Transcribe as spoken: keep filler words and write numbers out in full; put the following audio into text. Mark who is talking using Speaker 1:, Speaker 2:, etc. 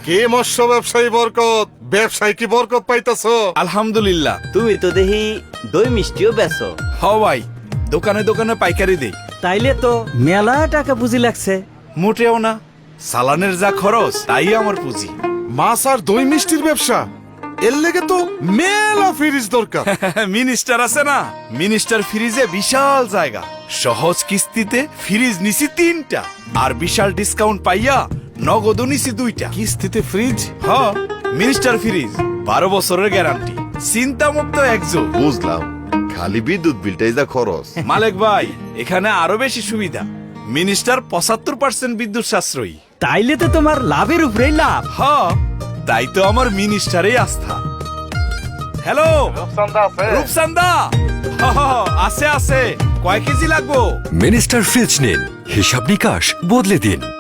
Speaker 1: কে মৎস্য ব্যবসায়ী বরকত, ব্যবসায় কি বরকত পাইতাছো?
Speaker 2: আলহামদুলিল্লাহ।
Speaker 3: তুমি তো দেখি দই মিষ্টিও বেচো।
Speaker 2: হ ভাই, দোকানে দোকানে পাইকারি দেই।
Speaker 4: তাইলে তো মেলা টাকা পুঁজি লাগছে।
Speaker 2: মোটেও না, সালানের যা খরচ তাই আমার পুঁজি।
Speaker 1: মাছ আর দই মিষ্টির ব্যবসা, এর লেগে তো মেলা ফ্রিজ দরকার।
Speaker 2: মিনিস্টার আছে না, মিনিস্টার ফ্রিজে বিশাল জায়গা, সহজ কিস্তিতে ফ্রিজ নিছি তিনটা, আর বিশাল ডিসকাউন্ট পাইয়া নগদ নিছি দুইটা।
Speaker 1: কিস্তিতে ফ্রিজ?
Speaker 2: হ, মিনিস্টার ফ্রিজ, বারো বছরের গ্যারান্টি, চিন্তা মুক্ত একজোট।
Speaker 5: বুঝলাম, খালি বিদ্যুৎ বিলটাই যা খরচ।
Speaker 2: মালিক ভাই, এখানে আরো বেশি সুবিধা। মিনিস্টার পঁচাত্তর পার্সেন্ট বিদ্যুৎ সাশ্রয়ী।
Speaker 4: তাইলে তো তোমার লাভের উপরেই লাভ।
Speaker 2: হ, তাই তো আমার মিনিস্টারে আস্থা। হ্যালো রূপসান্দা, হ, হ, আছে আছে, কয় কেজি লাগবো?
Speaker 6: মিনিস্টার ফ্রিজ নিন, হিসাব নিকাশ বদলে দিন।